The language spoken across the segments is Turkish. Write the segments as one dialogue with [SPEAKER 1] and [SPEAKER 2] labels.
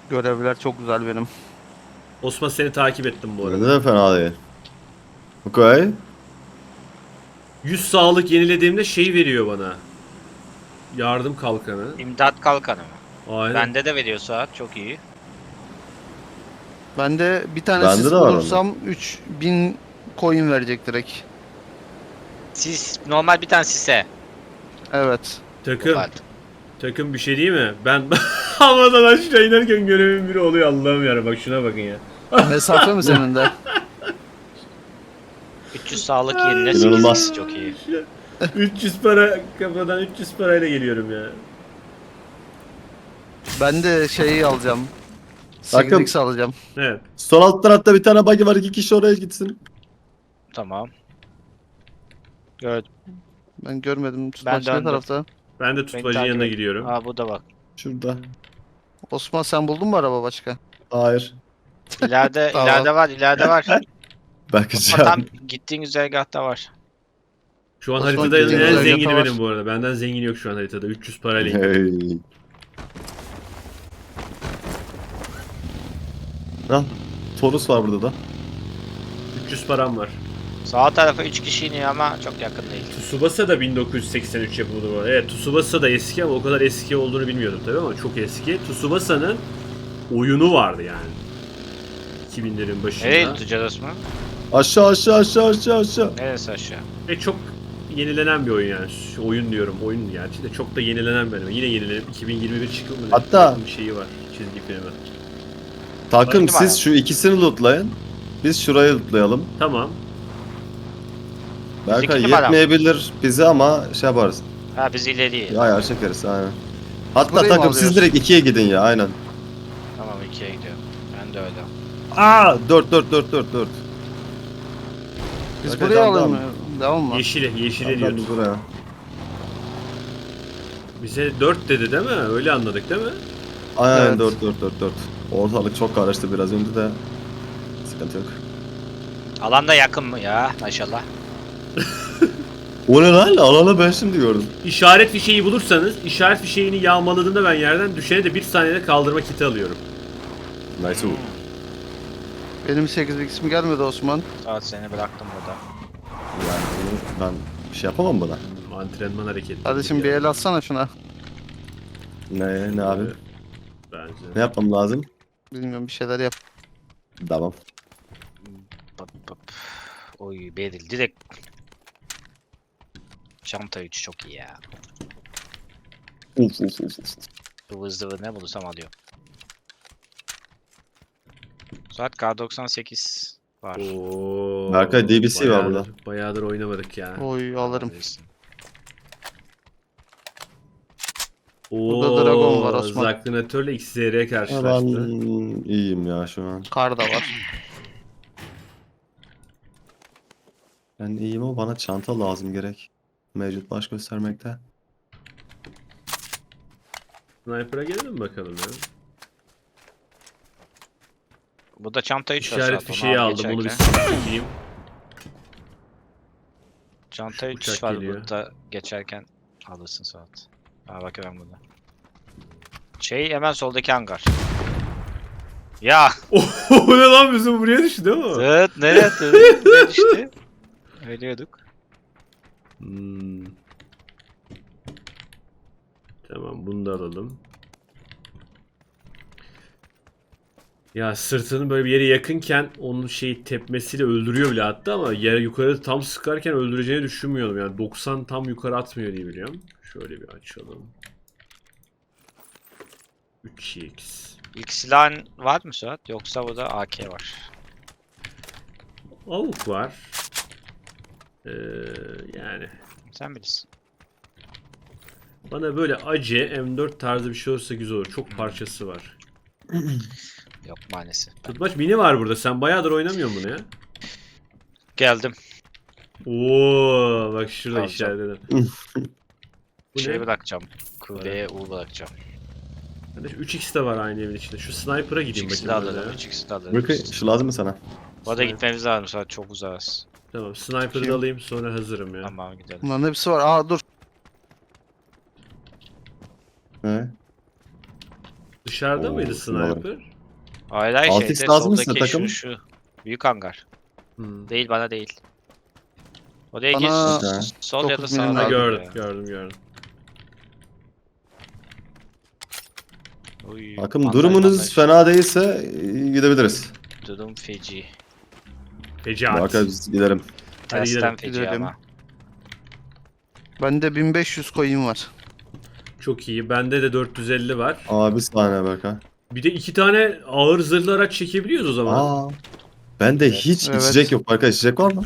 [SPEAKER 1] Görevler çok güzel benim.
[SPEAKER 2] Osman seni takip ettim bu
[SPEAKER 3] Ne
[SPEAKER 2] arada.
[SPEAKER 3] de fena değil. Okay.
[SPEAKER 2] 100 sağlık yenilediğimde şey veriyor bana. Yardım kalkanı.
[SPEAKER 4] İmdat kalkanı mı?
[SPEAKER 2] Aynen.
[SPEAKER 4] Bende de veriyor saat. Çok iyi.
[SPEAKER 1] Ben de bir tane
[SPEAKER 3] Bende
[SPEAKER 1] sis
[SPEAKER 3] de var onda.
[SPEAKER 1] bulursam 3000 coin verecek direkt.
[SPEAKER 4] Siz normal bir tane sise.
[SPEAKER 1] Evet.
[SPEAKER 2] Takım.
[SPEAKER 4] Ufalt.
[SPEAKER 2] Takım bir şey değil mi? Ben havadan aşağı inerken görevim biri oluyor Allah'ım ya. Bak şuna bakın ya.
[SPEAKER 1] Mesafe mi senin de?
[SPEAKER 4] 300 sağlık yerine 8
[SPEAKER 3] İnanılmaz.
[SPEAKER 4] sis çok iyi.
[SPEAKER 2] 300 para kafadan 300 parayla geliyorum ya.
[SPEAKER 1] Ben de şeyi alacağım.
[SPEAKER 3] Takım.
[SPEAKER 1] 8x alacağım.
[SPEAKER 2] Evet.
[SPEAKER 3] Sol alt tarafta bir tane buggy var. 2 kişi oraya gitsin.
[SPEAKER 4] Tamam. Gördüm.
[SPEAKER 1] Ben görmedim.
[SPEAKER 4] Ben
[SPEAKER 1] Tutmaç ne
[SPEAKER 4] döndüm.
[SPEAKER 1] tarafta?
[SPEAKER 2] Ben de
[SPEAKER 4] Beni
[SPEAKER 2] tutmacın
[SPEAKER 4] takip
[SPEAKER 2] yanına
[SPEAKER 4] et.
[SPEAKER 2] gidiyorum.
[SPEAKER 4] Aa bu da bak.
[SPEAKER 3] Şurada.
[SPEAKER 1] Osman sen buldun mu araba başka?
[SPEAKER 3] Hayır.
[SPEAKER 4] İleride
[SPEAKER 1] Tamam.
[SPEAKER 4] ileride var, ileride var. Ama
[SPEAKER 3] Bakacağım.
[SPEAKER 4] tam gittiğin güzergahta var.
[SPEAKER 2] Şu an
[SPEAKER 1] Osman
[SPEAKER 2] haritada
[SPEAKER 1] gittiğin
[SPEAKER 2] en
[SPEAKER 1] güzergahta
[SPEAKER 2] zengini
[SPEAKER 1] var.
[SPEAKER 2] benim bu arada. Benden zengin yok şu an haritada. 300 parayla gidiyorum.
[SPEAKER 3] Hey. Lan. Torus var burada da.
[SPEAKER 2] 300 param var.
[SPEAKER 4] Sağ tarafa 3 kişi iniyor ama çok yakın değil.
[SPEAKER 2] Tsubasa da 1983 yapımı bu arada. Evet, Tsubasa da eski ama o kadar eski olduğunu bilmiyordum tabii ama çok eski. Tsubasa'nın oyunu vardı yani. 2000'lerin başında.
[SPEAKER 4] Nereye tutacağız Osman?
[SPEAKER 3] Aşağı aşağı aşağı aşağı aşağı.
[SPEAKER 4] Neresi aşağı?
[SPEAKER 2] Ve çok yenilenen bir oyun yani. Şu oyun diyorum, oyun gerçi de çok da yenilenen bir oyun. Yine yenilenip 2021 çıkımı ne?
[SPEAKER 3] Hatta-
[SPEAKER 2] bir şeyi var çizgi filmi.
[SPEAKER 3] Takım
[SPEAKER 4] Öyle mi
[SPEAKER 3] siz
[SPEAKER 4] abi?
[SPEAKER 3] şu ikisini lootlayın. Biz şurayı lootlayalım.
[SPEAKER 2] Tamam.
[SPEAKER 3] Belki
[SPEAKER 4] İki numara.
[SPEAKER 3] yetmeyebilir bize ama şey yaparız.
[SPEAKER 4] Ha biz ileriye.
[SPEAKER 3] Ya ayar çekeriz aynen. Hatta
[SPEAKER 1] Burayı mı
[SPEAKER 3] takım siz
[SPEAKER 1] alıyoruz?
[SPEAKER 3] direkt 2'ye gidin ya aynen.
[SPEAKER 4] Tamam 2'ye gidiyorum. Ben de öyle.
[SPEAKER 3] Aa 4.
[SPEAKER 1] Biz
[SPEAKER 3] Okey,
[SPEAKER 1] buraya
[SPEAKER 3] tamam,
[SPEAKER 1] alalım
[SPEAKER 3] tamam.
[SPEAKER 1] mı? Devam mı?
[SPEAKER 2] Yeşile
[SPEAKER 3] Tamam,
[SPEAKER 2] diyor.
[SPEAKER 3] biz buraya.
[SPEAKER 2] Bize 4 dedi değil mi? Öyle anladık değil mi?
[SPEAKER 3] Aynen
[SPEAKER 1] Evet.
[SPEAKER 3] 4. Ortalık çok karıştı biraz önce de. Sıkıntı yok.
[SPEAKER 4] Alanda yakın mı ya maşallah.
[SPEAKER 3] O ne lan? Alana ben şimdi gördüm.
[SPEAKER 2] İşaret fişeği bulursanız, işaret fişeğini yağmaladığında ben yerden düşene de 1 saniyede kaldırma kiti alıyorum.
[SPEAKER 3] Nice.
[SPEAKER 1] Benim 8x'im gelmedi Osman.
[SPEAKER 4] Saat seni bıraktım burada.
[SPEAKER 3] Yani bunu ben bir şey yapamam buna.
[SPEAKER 2] Antrenman hareketi.
[SPEAKER 1] Kardeşim bir el atsana şuna.
[SPEAKER 3] Ne abi?
[SPEAKER 2] Bence.
[SPEAKER 3] Ne yapmam lazım?
[SPEAKER 1] Bilmiyorum bir şeyler yap.
[SPEAKER 3] Tamam.
[SPEAKER 4] Pap. Oy Beril direkt. Çanta 3 çok iyi ya.
[SPEAKER 3] Uf.
[SPEAKER 4] Zıvır zıvır ne bulursam alıyorum. Saat K98 var.
[SPEAKER 2] Oo,
[SPEAKER 3] Berkay, DBC var burada.
[SPEAKER 2] Bayağıdır oynamadık ya.
[SPEAKER 1] Oy alırım.
[SPEAKER 4] Alabilirsin.
[SPEAKER 1] Burada Dragon var Osman.
[SPEAKER 2] Zaklinatörle XZR
[SPEAKER 3] Ben
[SPEAKER 2] karşılaştı.
[SPEAKER 3] iyiyim ya şu an.
[SPEAKER 1] Kar da var.
[SPEAKER 3] Ben iyiyim ama bana çanta lazım gerek. Mevcut baş göstermekte.
[SPEAKER 2] Sniper'a gelelim bakalım ya.
[SPEAKER 4] Burada çanta 3 var
[SPEAKER 2] İşaret
[SPEAKER 4] zaten,
[SPEAKER 2] fişeği
[SPEAKER 4] abi
[SPEAKER 2] aldım onu bir
[SPEAKER 4] geçerken.
[SPEAKER 2] sikeyim.
[SPEAKER 4] Çanta 3
[SPEAKER 2] Uçak
[SPEAKER 4] var
[SPEAKER 2] geliyor.
[SPEAKER 4] burada geçerken alırsın saat. Ha bak ben burada. Şey hemen soldaki hangar. Ya
[SPEAKER 2] O ne lan bizim buraya düştü değil mi?
[SPEAKER 4] zıt nereye attın? Nereye düştü? Ölüyorduk.
[SPEAKER 2] Hmm. Tamam bunu da alalım. Ya sırtının böyle bir yere yakınken onun şey tepmesiyle öldürüyor bile hatta ama yere yukarı tam sıkarken öldüreceğini düşünmüyordum. Yani 90 tam yukarı atmıyor diye biliyorum. Şöyle bir açalım. 3x.
[SPEAKER 4] İlk silahın var mı Suat? Yoksa burada AK var.
[SPEAKER 2] Avuk var. Yani
[SPEAKER 4] Sen bilirsin.
[SPEAKER 2] bana böyle acı M4 tarzı bir şey olursa güzel olur. Çok parçası var.
[SPEAKER 4] Yok maalesef.
[SPEAKER 2] Tutmaç mini var burada. Sen bayağıdır oynamıyorsun bunu ya.
[SPEAKER 4] Geldim.
[SPEAKER 2] Oo, bak şurada
[SPEAKER 4] Tamam,
[SPEAKER 2] işaretledim. Bu
[SPEAKER 4] Şey
[SPEAKER 2] ne?
[SPEAKER 4] bırakacağım. Q'ye U bırakacağım.
[SPEAKER 2] Bende 3x de var aynı evin içinde. Şu sniper'a gideyim
[SPEAKER 4] 3x'i de
[SPEAKER 2] bakayım.
[SPEAKER 4] alırım.
[SPEAKER 2] ben de.
[SPEAKER 4] 3x'i de alırım.
[SPEAKER 3] Bakın şu lazım mı sana?
[SPEAKER 4] Bu arada gitmemiz lazım Suat, çok uzağız.
[SPEAKER 2] Tamam sniper'ı
[SPEAKER 1] Kim?
[SPEAKER 2] da alayım sonra hazırım ya.
[SPEAKER 4] Tamam gidelim.
[SPEAKER 1] Bunların hepsi var. Aa dur.
[SPEAKER 3] Ne?
[SPEAKER 2] Dışarıda
[SPEAKER 3] Oo,
[SPEAKER 2] mıydı
[SPEAKER 3] bilmiyorum.
[SPEAKER 2] sniper?
[SPEAKER 4] Hayır hayır
[SPEAKER 3] 6x
[SPEAKER 4] şeyde
[SPEAKER 3] lazım mı
[SPEAKER 4] soldaki
[SPEAKER 3] size takım?
[SPEAKER 4] şu büyük hangar.
[SPEAKER 2] Hmm.
[SPEAKER 4] Değil bana değil. Oraya gir
[SPEAKER 1] Bana
[SPEAKER 4] sol ya da
[SPEAKER 1] 9
[SPEAKER 4] sağ.
[SPEAKER 1] milim
[SPEAKER 2] Ha,
[SPEAKER 1] lazım
[SPEAKER 2] gördüm.
[SPEAKER 4] Uy,
[SPEAKER 3] Takım durumunuz fena değilse gidebiliriz.
[SPEAKER 4] Durum feci.
[SPEAKER 2] Fecaat.
[SPEAKER 3] Barkay biz gidelim.
[SPEAKER 2] Hadi
[SPEAKER 4] Tersten
[SPEAKER 2] gidelim.
[SPEAKER 4] feci
[SPEAKER 1] Gidelim.
[SPEAKER 4] ama.
[SPEAKER 1] Bende 1500 coin var.
[SPEAKER 2] Çok iyi. Bende de 450 var.
[SPEAKER 3] Aa bir saniye Berkay.
[SPEAKER 2] Bir de 2 tane ağır zırhlı araç çekebiliyoruz o zaman.
[SPEAKER 3] Aa. Bende
[SPEAKER 4] Evet.
[SPEAKER 3] hiç
[SPEAKER 1] Evet.
[SPEAKER 3] içecek yok Berkay. İçecek var mı?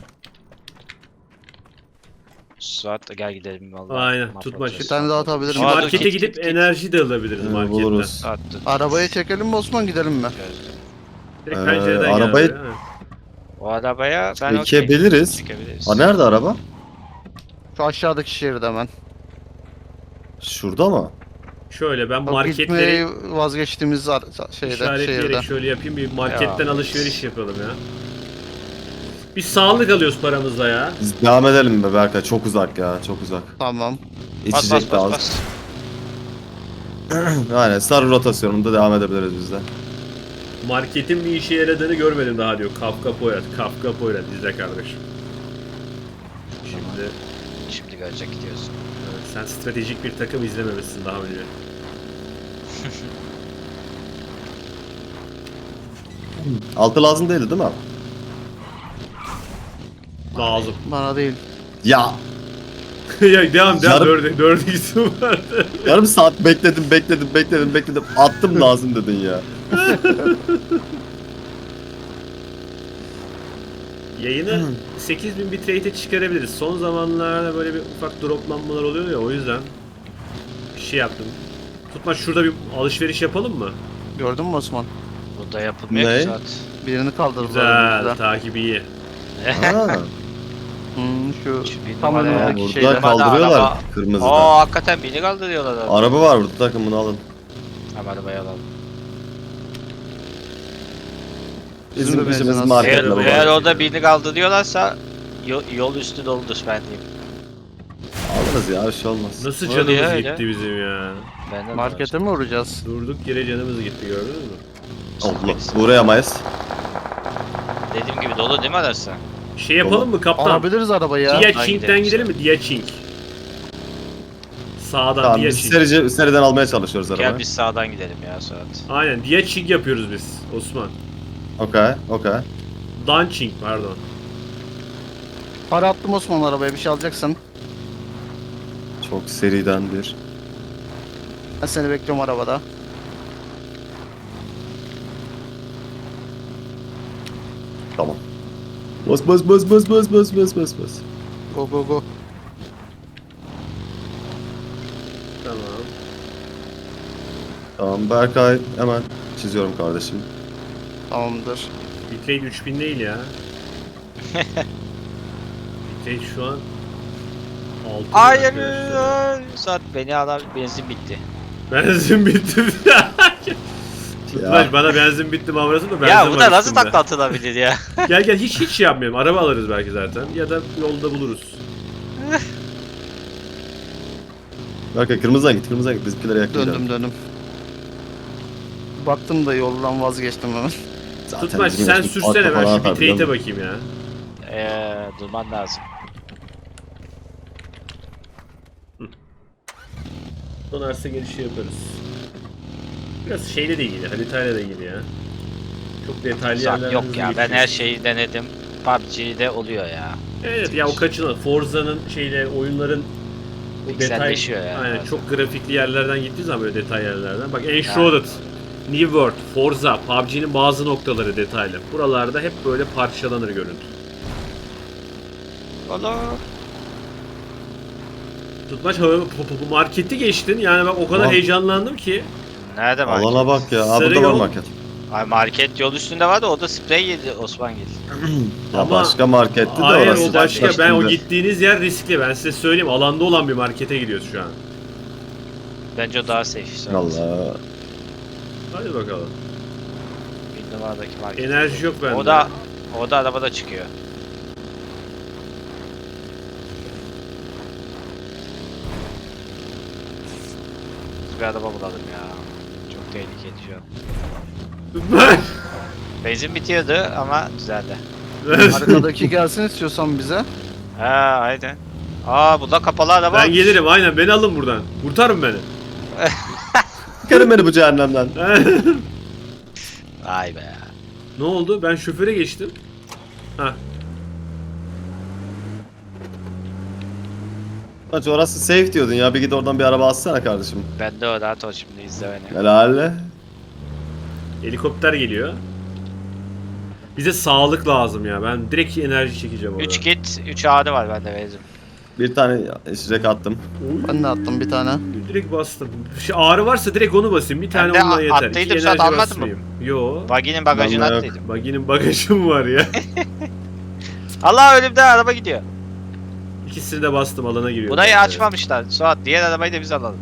[SPEAKER 4] Suat gel gidelim vallahi.
[SPEAKER 2] Aynen,
[SPEAKER 4] Mahvolacağız.
[SPEAKER 2] tutmaç.
[SPEAKER 1] Bir tane daha atabilirim.
[SPEAKER 2] Şimdi
[SPEAKER 4] Aa, dur,
[SPEAKER 2] markete
[SPEAKER 4] git,
[SPEAKER 2] gidip
[SPEAKER 4] git.
[SPEAKER 2] enerji de alabiliriz marketten.
[SPEAKER 3] Buluruz.
[SPEAKER 4] Suat dur.
[SPEAKER 1] Arabaya çekelim mi Osman, gidelim mi?
[SPEAKER 2] Direkt pencereden
[SPEAKER 3] arabayı-
[SPEAKER 2] geldi, ha.
[SPEAKER 4] O arabaya ben
[SPEAKER 3] Çekebiliriz.
[SPEAKER 4] Çekebiliriz.
[SPEAKER 3] Aa nerede araba?
[SPEAKER 1] Şu aşağıdaki şehirde hemen.
[SPEAKER 3] Şurada mı?
[SPEAKER 2] Şöyle ben
[SPEAKER 1] Bak,
[SPEAKER 2] marketleri
[SPEAKER 1] gitmeyi vazgeçtiğimiz şeyde,
[SPEAKER 2] işaretleyerek
[SPEAKER 1] şehirde.
[SPEAKER 2] şöyle yapayım, bir marketten
[SPEAKER 4] Ya.
[SPEAKER 2] alışveriş yapalım ya. Biz sağlık alıyoruz paramızla ya.
[SPEAKER 3] Biz devam edelim mi Berkay? Çok uzak ya. Çok uzak.
[SPEAKER 1] Tamam.
[SPEAKER 4] Bas
[SPEAKER 3] İçecek
[SPEAKER 4] bas bas
[SPEAKER 3] lazım.
[SPEAKER 4] bas.
[SPEAKER 3] Aynen sarı rotasyonunda devam edebiliriz biz de.
[SPEAKER 2] Marketin bir işe yaradığını görmedim daha diyor. Kafka Poyraz izle kardeşim. Şimdi
[SPEAKER 4] Şimdi görecek gidiyorsun.
[SPEAKER 2] evet, sen stratejik bir takım izlememişsin daha önce.
[SPEAKER 3] Altı lazım değildi değil mi?
[SPEAKER 2] Lazım.
[SPEAKER 1] Bana değil.
[SPEAKER 3] Ya
[SPEAKER 2] Ya devam
[SPEAKER 3] Yarım-
[SPEAKER 2] dördü isim vardı.
[SPEAKER 3] yarım saat bekledim. Attım lazım dedin ya.
[SPEAKER 2] Yayını 8000 bitrate'e çıkarabiliriz. Son zamanlarda böyle bir ufak droplanmalar oluyor ya, o yüzden bir şey yaptım. Tutma, şurada bir alışveriş yapalım mı?
[SPEAKER 1] Gördün mü Osman?
[SPEAKER 4] Burada yapılmıyor
[SPEAKER 3] Ne?
[SPEAKER 4] ki Suat.
[SPEAKER 1] Birini kaldırdılar.
[SPEAKER 2] Güzel,
[SPEAKER 1] önümüzden.
[SPEAKER 2] takip iyi.
[SPEAKER 3] Ha,
[SPEAKER 1] Şu
[SPEAKER 4] Şu bir
[SPEAKER 1] tam
[SPEAKER 4] numara ya.
[SPEAKER 1] önümüzdeki
[SPEAKER 3] burada
[SPEAKER 1] şeyde.
[SPEAKER 3] kaldırıyorlar
[SPEAKER 4] araba-
[SPEAKER 3] kırmızıda.
[SPEAKER 4] Aa hakikaten beni kaldırıyorlar abi.
[SPEAKER 3] Araba var burada, takım bunu alın.
[SPEAKER 4] Hemen arabayı alalım.
[SPEAKER 1] Bizim de
[SPEAKER 3] Bizim işimiz
[SPEAKER 1] benzin az.
[SPEAKER 3] marketle
[SPEAKER 4] Eğer,
[SPEAKER 3] baba.
[SPEAKER 4] eğer orada birini kaldırıyorlarsa yol üstü doludur ben diyeyim.
[SPEAKER 3] Alırız ya, bir şey olmaz.
[SPEAKER 2] Nasıl
[SPEAKER 4] Öyle
[SPEAKER 2] canımız
[SPEAKER 4] ya, öyle.
[SPEAKER 2] gitti bizim ya.
[SPEAKER 4] Benden de
[SPEAKER 1] Markete mi uğrayacağız?
[SPEAKER 2] Durduk yere canımız gitti, gördünüz mü?
[SPEAKER 3] Allah, uğrayamayız.
[SPEAKER 4] var. Dediğim gibi dolu değil mi arası?
[SPEAKER 2] Şey yapalım mı kaptan?
[SPEAKER 1] Alabiliriz arabayı ya.
[SPEAKER 2] Diyaçink'ten
[SPEAKER 4] gidelim
[SPEAKER 2] gidelim mi? Diyaçink. Sağdan
[SPEAKER 3] Tamam biz
[SPEAKER 2] Diyaçink.
[SPEAKER 3] seriden almaya çalışıyoruz
[SPEAKER 4] Gel
[SPEAKER 3] arabayı.
[SPEAKER 4] biz sağdan gidelim ya Suat.
[SPEAKER 2] Aynen, Diyaçink yapıyoruz biz Osman.
[SPEAKER 3] Okey.
[SPEAKER 2] Dançink pardon.
[SPEAKER 1] Para attım Osman arabaya, bir şey alacaksın.
[SPEAKER 3] Çok seriden bir.
[SPEAKER 1] Ben seni bekliyorum arabada.
[SPEAKER 3] Tamam. Bas.
[SPEAKER 1] Go go go.
[SPEAKER 2] Tamam.
[SPEAKER 3] Tamam Berkay, hemen çiziyorum kardeşim.
[SPEAKER 1] Tamamdır.
[SPEAKER 2] Bitrate 3000 değil ya. Bitrate şu an 6.
[SPEAKER 4] Hayır. Suat beni alan benzin bitti.
[SPEAKER 2] Benzin bitti. Tutmaç,
[SPEAKER 3] Ya.
[SPEAKER 2] bana benzin bitti mavrası da benzin
[SPEAKER 4] Ya bu
[SPEAKER 2] var
[SPEAKER 4] da nasıl
[SPEAKER 2] üstümde.
[SPEAKER 4] takla atılabilir ya?
[SPEAKER 2] Gel hiç şey yapmayalım. Araba alırız belki zaten. Ya da yolda buluruz.
[SPEAKER 3] Berkay kırmızıdan git. Bizimkilere yaklayacağım.
[SPEAKER 1] Döndüm. Baktım da yoldan vazgeçtim hemen.
[SPEAKER 3] Zaten
[SPEAKER 2] Tutmaç
[SPEAKER 3] bizim
[SPEAKER 2] sen
[SPEAKER 3] yaşımız
[SPEAKER 2] sürsene,
[SPEAKER 3] arka
[SPEAKER 2] ben
[SPEAKER 3] falan
[SPEAKER 2] şu
[SPEAKER 3] atar, biliyor
[SPEAKER 2] bitrate'e
[SPEAKER 3] musun?
[SPEAKER 2] bakayım ya.
[SPEAKER 4] Durman lazım.
[SPEAKER 2] Donarsa gelişi yaparız. Biraz şeyle de ilgili, haritayla da ilgili ya. Çok detaylı
[SPEAKER 4] Suat
[SPEAKER 2] yerlerden
[SPEAKER 4] yok
[SPEAKER 2] hızlı
[SPEAKER 4] ya ben
[SPEAKER 2] geçiyoruz.
[SPEAKER 4] her şeyi denedim. PUBG'de oluyor ya.
[SPEAKER 2] Evet ya, o kaçınılmaz. Forza'nın oyunların o detay,
[SPEAKER 4] Pikselleşiyor ya.
[SPEAKER 2] aynen,
[SPEAKER 4] bazen.
[SPEAKER 2] çok grafikli yerlerden gittiği zaman böyle detay yerlerden. Bak Enshrouded, New World, Forza, PUBG'nin bazı noktaları detaylı. Buralarda hep böyle parçalanır görüntü.
[SPEAKER 4] Olur.
[SPEAKER 2] Tutmaç marketi geçtin, yani bak o kadar
[SPEAKER 3] Tamam.
[SPEAKER 2] heyecanlandım ki.
[SPEAKER 4] Nerede market?
[SPEAKER 3] Alana bak ya. Aa,
[SPEAKER 2] Sarı
[SPEAKER 3] burada var
[SPEAKER 2] yol.
[SPEAKER 3] market.
[SPEAKER 4] Ay market yol üstünde vardı o da sprey yedi Osman Gil.
[SPEAKER 3] Ya
[SPEAKER 2] Ama-
[SPEAKER 3] başka marketti de
[SPEAKER 2] Hayır,
[SPEAKER 3] orası.
[SPEAKER 2] o başka.
[SPEAKER 3] Başka
[SPEAKER 2] Ben o
[SPEAKER 3] şimdi.
[SPEAKER 2] gittiğiniz yer riskli. Ben size söyleyeyim, alanda olan bir markete gidiyoruz şu an.
[SPEAKER 4] Bence o daha safe. Suat.
[SPEAKER 3] Allah.
[SPEAKER 2] Hadi bakalım.
[SPEAKER 4] Bir numaradaki market.
[SPEAKER 2] Enerji yok bende.
[SPEAKER 4] O da arabada çıkıyor. Bir araba bulalım ya. Çok Çok tehlikeli şu an. Benzin bitiyordu ama düzeldi.
[SPEAKER 1] Arkadaki gelsin istiyorsan bize.
[SPEAKER 4] Ha aynen. Aa bu da kapalı araba.
[SPEAKER 2] Ben gelirim aynen, beni alın buradan. Kurtarın beni.
[SPEAKER 3] Çıkarın beni bu cehennemden.
[SPEAKER 4] Vay be.
[SPEAKER 2] Ne oldu? Ben şoföre geçtim. Hah.
[SPEAKER 3] Bak orası safe diyordun ya, bir git oradan bir araba alsana kardeşim.
[SPEAKER 4] Ben de o rahat ol şimdi izle beni.
[SPEAKER 3] Helal.
[SPEAKER 2] Helikopter geliyor. Bize sağlık lazım ya. Ben direkt enerji çekeceğim orada.
[SPEAKER 4] 3 kit 3 ağrı var bende benzin.
[SPEAKER 3] Bir tane içecek attım.
[SPEAKER 2] Oy.
[SPEAKER 1] Ben de attım bir tane.
[SPEAKER 2] Direkt bastım. Ağrı varsa direkt onu basayım. Bir tane
[SPEAKER 4] de
[SPEAKER 2] onunla yeter.
[SPEAKER 4] attıydım,
[SPEAKER 2] İki
[SPEAKER 4] sen
[SPEAKER 2] enerji
[SPEAKER 4] almadın mı?
[SPEAKER 2] basmayayım. Yo.
[SPEAKER 4] Buggy'nin bagajına
[SPEAKER 3] Vallahi yok.
[SPEAKER 4] attıydım.
[SPEAKER 2] Baginin bagajı mı var ya?
[SPEAKER 4] Allah önümde araba gidiyor.
[SPEAKER 2] İkisini de bastım, alana giriyor.
[SPEAKER 4] Burayı açmamışlar. Suat diğer arabayı da biz alalım.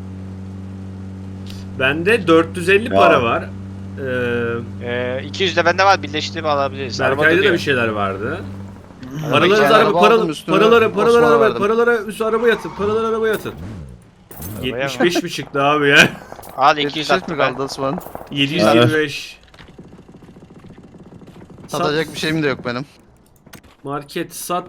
[SPEAKER 2] Bende 450
[SPEAKER 3] Ya.
[SPEAKER 2] para var.
[SPEAKER 4] 200 de bende var, birleştirip alabiliriz. Araba
[SPEAKER 2] Berkay'da da
[SPEAKER 4] duruyor.
[SPEAKER 2] bir şeyler vardı.
[SPEAKER 4] Araba
[SPEAKER 2] Paralarınızı
[SPEAKER 4] içeri
[SPEAKER 2] araba,
[SPEAKER 1] araba aldım, üstüne
[SPEAKER 2] paralara
[SPEAKER 1] Osman'a
[SPEAKER 2] araba,
[SPEAKER 1] verdim.
[SPEAKER 2] paralara üst arabaya atın, paraları arabaya atın.
[SPEAKER 4] Arabaya mı?
[SPEAKER 2] 75 mi çıktı abi ya?
[SPEAKER 4] Al 200
[SPEAKER 1] 200 mi
[SPEAKER 4] attım ben.
[SPEAKER 1] kaldı Osman?
[SPEAKER 2] 725.
[SPEAKER 1] Satacak bir şeyim de yok benim.
[SPEAKER 2] Market sat.